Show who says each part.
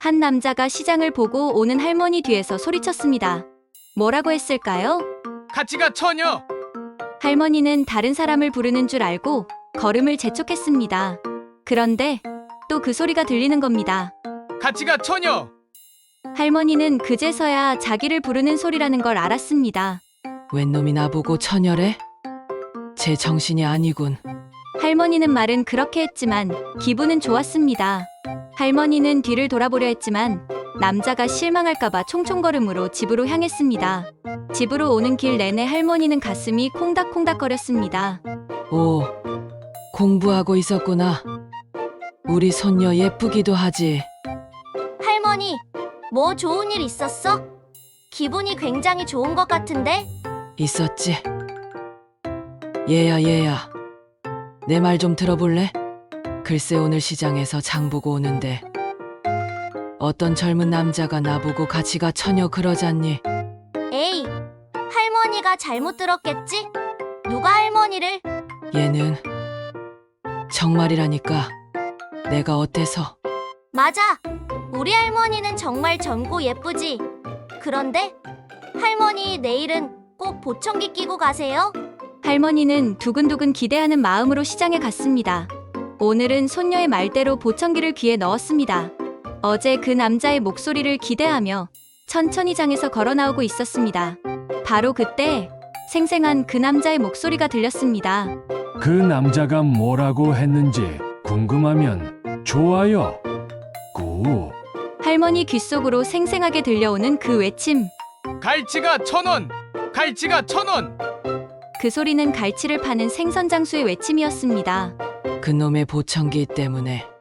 Speaker 1: 한 남자가 시장을 보고 오는 할머니 뒤에서 소리쳤습니다. 뭐라고 했을까요?
Speaker 2: 가치가 처녀.
Speaker 1: 할머니는 다른 사람을 부르는 줄 알고 걸음을 재촉했습니다. 그런데 또 그 소리가 들리는 겁니다.
Speaker 2: 가치가 처녀.
Speaker 1: 할머니는 그제서야 자기를 부르는 소리라는 걸 알았습니다.
Speaker 3: 웬 놈이 나보고 처녀래? 제 정신이 아니군.
Speaker 1: 할머니는 말은 그렇게 했지만 기분은 좋았습니다. 할머니는 뒤를 돌아보려 했지만 남자가 실망할까봐 총총걸음으로 집으로 향했습니다. 집으로 오는 길 내내 할머니는 가슴이 콩닥콩닥거렸습니다.
Speaker 3: 오, 공부하고 있었구나. 우리 손녀 예쁘기도 하지.
Speaker 4: 할머니, 뭐 좋은 일 있었어? 기분이 굉장히 좋은 것 같은데?
Speaker 3: 있었지. 얘야. 내 말 좀 들어볼래? 글쎄 오늘 시장에서 장 보고 오는데 어떤 젊은 남자가 나보고 가치가 처녀 그러잖니.
Speaker 4: 에이, 할머니가 잘못 들었겠지? 누가 할머니를?
Speaker 3: 얘는 정말이라니까. 내가 어때서?
Speaker 4: 맞아. 우리 할머니는 정말 젊고 예쁘지. 그런데 할머니 내일은 꼭 보청기 끼고 가세요.
Speaker 1: 할머니는 두근두근 기대하는 마음으로 시장에 갔습니다. 오늘은 손녀의 말대로 보청기를 귀에 넣었습니다. 어제 그 남자의 목소리를 기대하며 천천히 장에서 걸어 나오고 있었습니다. 바로 그때 생생한 그 남자의 목소리가 들렸습니다.
Speaker 5: 그 남자가 뭐라고 했는지 궁금하면 좋아요. 구.
Speaker 1: 할머니 귓속으로 생생하게 들려오는 그 외침.
Speaker 2: 갈치가 1,000원. 갈치가 1,000원.
Speaker 1: 그 소리는 갈치를 파는 생선장수의 외침이었습니다.
Speaker 3: 그놈의 보청기 때문에